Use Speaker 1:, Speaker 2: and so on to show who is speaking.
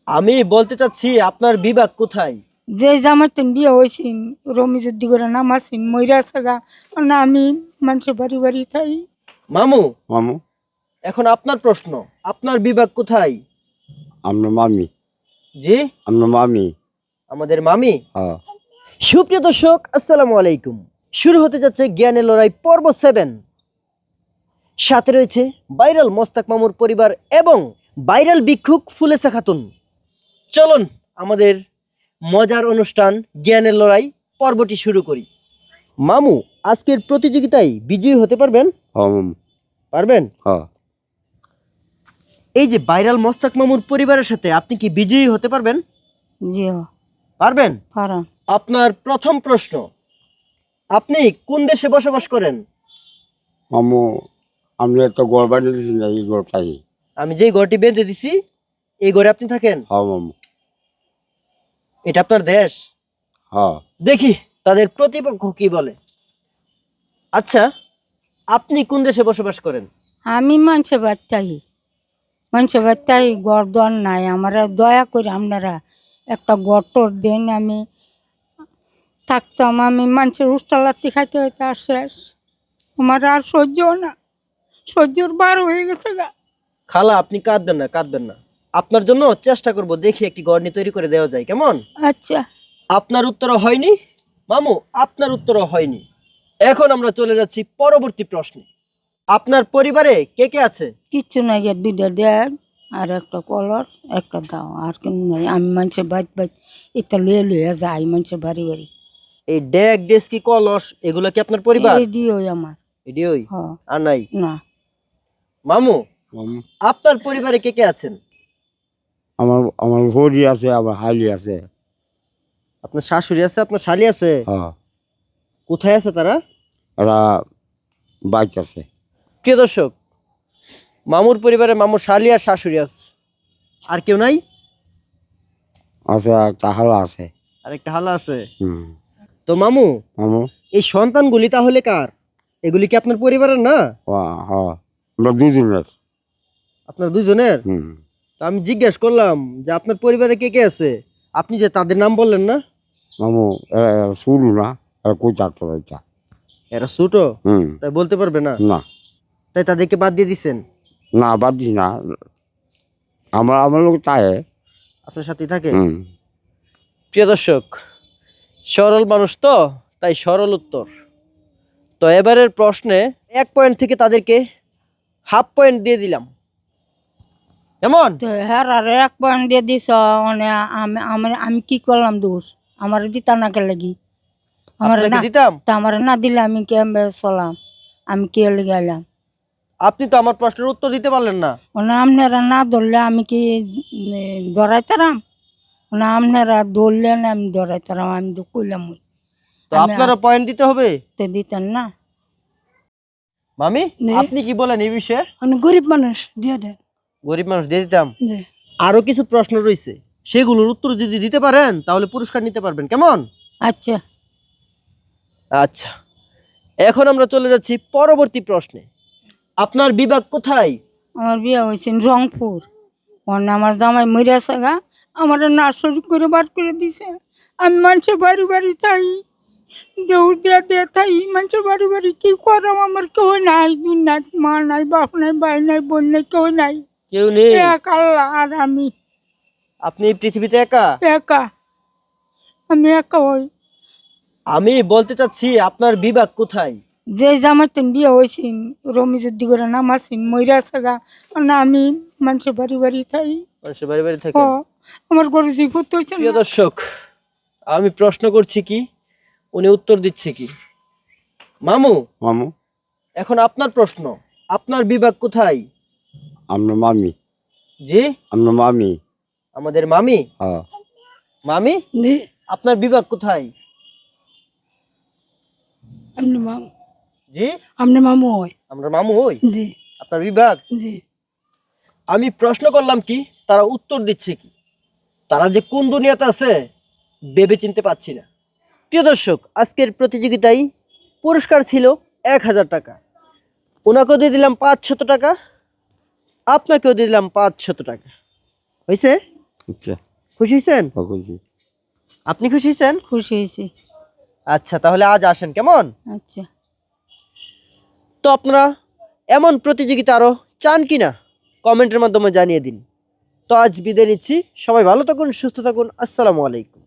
Speaker 1: আমি বলতে চাচ্ছি আপনার বিভাগ কোথায়?
Speaker 2: যে জামাইতেন বিয়ে হয়েছিন রমিজের দিগরে নামাছিন ময়রা সাগা না আমি মানুষের বাড়ি বাড়ি থাই।
Speaker 1: মামু,
Speaker 3: মামু
Speaker 1: এখন আপনার প্রশ্ন, আপনার বিভাগ কোথায়?
Speaker 3: আমরা মামি
Speaker 1: জি,
Speaker 3: আমরা মামি
Speaker 1: আমাদের মামি।
Speaker 3: হ্যাঁ
Speaker 1: সুপ্রিয় দর্শক, আসসালামু আলাইকুম। শুরু হতে যাচ্ছে জ্ঞানের লড়াই পর্ব 7। সাথে রয়েছে ভাইরাল মোস্তাক মামুর পরিবার এবং ভাইরাল ভিক্ষুক ফুলেসা খাতুন। চলুন আমাদের মজার অনুষ্ঠান জ্ঞানের লড়াই পর্বটি শুরু করি। মামু, আজকের প্রতিযোগিতায় বিজয়ী হতে পারবেন?
Speaker 3: হ্যাঁ মামু
Speaker 1: পারবেন?
Speaker 3: হ্যাঁ
Speaker 1: এই যে ভাইরাল মোস্তাক মামুর পরিবারের সাথে আপনি কি বিজয়ী হতে পারবেন?
Speaker 2: জি
Speaker 1: পারবেন?
Speaker 2: পারান।
Speaker 1: আপনার প্রথম প্রশ্ন, আপনি কোন দেশে বসবাস করেন?
Speaker 3: মামু আমি একটা ঘর বানিয়ে দিয়েছি না এই ঘর পাই।
Speaker 1: আমি যেই ঘরটি বেঁধে দিছি এই ঘরে আপনি থাকেন?
Speaker 3: হ্যাঁ মামু
Speaker 1: এটা আপনার দেশ?
Speaker 3: হ্যাঁ
Speaker 1: দেখি তাদের প্রতিপক্ষ কি বলে। আচ্ছা, আপনি কোন দেশে বসবাস করেন?
Speaker 2: আমি মানুষের বাচ্চাই গড় দর নাই আমার দয়া করে আপনারা একটা গটর দেন আমি থাকতাম। আমি মানুষের উস্তালাতি খাইতে হইতে আর শেষ আমার আর সহ্যর বার হয়ে গেছে গা।
Speaker 1: খালা, আপনি কাঁদবেন না, কাঁদবেন না। আপনার জন্য চেষ্টা করব, দেখি একটি ঘর নিয়ে তৈরি করে দেওয়া যায়, কেমন?
Speaker 2: আচ্ছা
Speaker 1: আপনার উত্তরও হয়নি মামু, আপনার উত্তরও হয়নি। এখন আমরা চলে যাচ্ছি পরবর্তী প্রশ্নে। আপনার পরিবারে কে কে আছে?
Speaker 2: কিচ্ছু নাই গিয়ে দুইটা ড্যাগ আর একটা কলর একটা দাও আর কেন নাই। আমি মানুষের বাইত এটা লুয়ে যাই মানুষের বাড়ি বাড়ি।
Speaker 1: এই ডেক ডেস্কি কলস এগুলো কি আপনার পরিবার?
Speaker 2: এই দিও আমার।
Speaker 1: এডিওই
Speaker 2: হ
Speaker 1: আর নাই?
Speaker 2: না
Speaker 1: মামু,
Speaker 3: মামু
Speaker 1: আপনার পরিবারে কে কে আছেন?
Speaker 3: আমার আমার ভরি আছে আবার হালি আছে।
Speaker 1: আপনার শাশুড়ি আছে, আপনার শালি আছে?
Speaker 3: হ্যাঁ
Speaker 1: কোথায় আছে তারা?
Speaker 3: ওরা বাইক আছে।
Speaker 1: প্রিয় দর্শক, মামুর পরিবারে মামুর শালি আর শাশুড়ি আছে, আর কেউ নাই?
Speaker 3: আছে একটা হালা আছে।
Speaker 1: আর একটা হালা আছে।
Speaker 3: হুম
Speaker 1: তো মামু,
Speaker 3: মামু
Speaker 1: এই সন্তানগুলি তাহলে কার? এগুলি কি আপনার পরিবারের না?
Speaker 3: হ্যাঁ আমরা দুজনের।
Speaker 1: আপনার দুজনের?
Speaker 3: হুম
Speaker 1: তো আমি জিজ্ঞেস করলাম যে আপনার পরিবারে কে কে আছে, আপনি যে তাদের নাম বললেন না।
Speaker 3: মামু এরা শুরু না এরা কই চারটা বাচ্চা।
Speaker 1: এরা ছোট,
Speaker 3: হুম
Speaker 1: তাই বলতে পারবে না,
Speaker 3: না
Speaker 1: তাই তাদেরকে বাদ দিয়ে দিচ্ছেন।
Speaker 3: না বাদ দিস না আমার আমার লোক তাই।
Speaker 1: আপনার সাথেই থাকে।
Speaker 3: হুম
Speaker 1: প্রিয় দর্শক, সরল মানুষ তো, তাই সরল উত্তর। তো এবারের প্রশ্নে 1 পয়েন্ট থেকে তাদেরকে হাফ পয়েন্ট দিয়ে দিলাম, কেমন?
Speaker 2: তো হ্যাঁ আর 1 পয়েন্ট দিয়ে দিস মানে আমি কি করলাম দোষ? আমার দিতা না কে লাগি আমার
Speaker 1: আপনাকে
Speaker 2: না
Speaker 1: দিতাম।
Speaker 2: তা আমার না দিলে আমি কেমবে চলাম? আমি কে লেগে গেলাম?
Speaker 1: আপনি তো আমার প্রশ্নের উত্তর দিতে পারলেন না।
Speaker 2: মানে আপনারা না ধরলে আমি কি ডরাইতারাম? না আপনারা ধরলেন আমি ডরাইতারাম? আমি তো কইলাম
Speaker 1: তো
Speaker 2: আমি
Speaker 1: আপনারা পয়েন্ট দিতে হবে।
Speaker 2: তো দিতেন না।
Speaker 1: মামি,
Speaker 2: নে।
Speaker 1: আপনি কি বলেন এই বিষয়ে?
Speaker 2: মানে গরিব মানুষ দিয়ে দেন।
Speaker 1: গরিব মানুষ দিয়ে দিতাম।
Speaker 2: জি
Speaker 1: আরো কিছু প্রশ্ন রয়েছে, সেগুলোর উত্তর যদি দিতে পারেন তাহলে পুরস্কার নিতে পারবেন, কেমন?
Speaker 2: আচ্ছা
Speaker 1: আচ্ছা, এখন আমরা চলে যাচ্ছি পরবর্তী প্রশ্নে। আপনার বিভাগ কোথায়?
Speaker 2: আমার বিয়ে হয়েছে রংপুর। মানে আমার জামাই মরিয়া সাগা আমার নার্সারি করে বার করে দিছে। আমি মানুষের বাড়ি বাড়ি চাই দৌড় দিয়া দিয়ে থাই মানুষের বাড়ি বাড়ি কি করাম? আমার কেউ নাই, দুনিয়া মা নাই, বাপ নাই, ভাই নাই, বোন নাই, কেউ নাই।
Speaker 1: কেউ নেই?
Speaker 2: এক আল্লাহ আর আমি
Speaker 1: আপনি এই পৃথিবীতে একা?
Speaker 2: একা। আমি একা হই।
Speaker 1: আমি বলতে চাচ্ছি আপনার বিভাগ কোথায়?
Speaker 2: যে জামাইতেন বিয়ে হয়েছিন রমিজের দিগরে নামাছিন ময়রা সাগা না আমি মানুষের বাড়ি বাড়ি থাই।
Speaker 1: মানুষের বাড়ি বাড়ি
Speaker 2: হ
Speaker 1: থাকেন?
Speaker 2: আমার গরু জিভূত হয়েছে
Speaker 1: প্রিয়
Speaker 2: না।
Speaker 1: দর্শক, আমি প্রশ্ন করছি কি, উনি উত্তর দিচ্ছে কি। মামু,
Speaker 3: মামু
Speaker 1: এখন আপনার প্রশ্ন, আপনার বিভাগ কোথায়?
Speaker 3: আমরা মামি
Speaker 1: জি,
Speaker 3: আমরা মামি
Speaker 1: আমাদের মামি।
Speaker 3: হ্যাঁ
Speaker 1: মামি,
Speaker 2: জি
Speaker 1: আপনার বিভাগ কোথায়?
Speaker 2: আপনি মামু।
Speaker 1: জি,
Speaker 2: আপনি মামু হয়?
Speaker 1: আমরা মামু হই।
Speaker 2: জি
Speaker 1: আপনার বিভাগ?
Speaker 2: জি
Speaker 1: আমি প্রশ্ন করলাম কি, তারা উত্তর দিচ্ছে কি। তারা যে কোন দুনিয়াতে আছে ভেবে চিনতে পারছি না। প্রিয় দর্শক, আজকের প্রতিযোগিতায় পুরস্কার ছিল 1000 টাকা। ওনাকেও দিয়ে দিলাম 500 টাকা, আপনাকেও দিয়ে দিলাম 500 টাকা। হয়েছে?
Speaker 3: আচ্ছা
Speaker 1: খুশি হয়েছেন?
Speaker 3: খুশি।
Speaker 1: আপনি খুশি হয়েছেন?
Speaker 2: খুশি হয়েছি।
Speaker 1: আচ্ছা, তাহলে আজ আসেন কেমন?
Speaker 2: আচ্ছা।
Speaker 1: তো আপনারা এমন প্রতিযোগিতা আরো চান কিনা কমেন্টের মাধ্যমে জানিয়ে দিন। তো আজ বিদায় নিচ্ছি, সবাই ভালো থাকুন, সুস্থ থাকুন, আসসালামু আলাইকুম।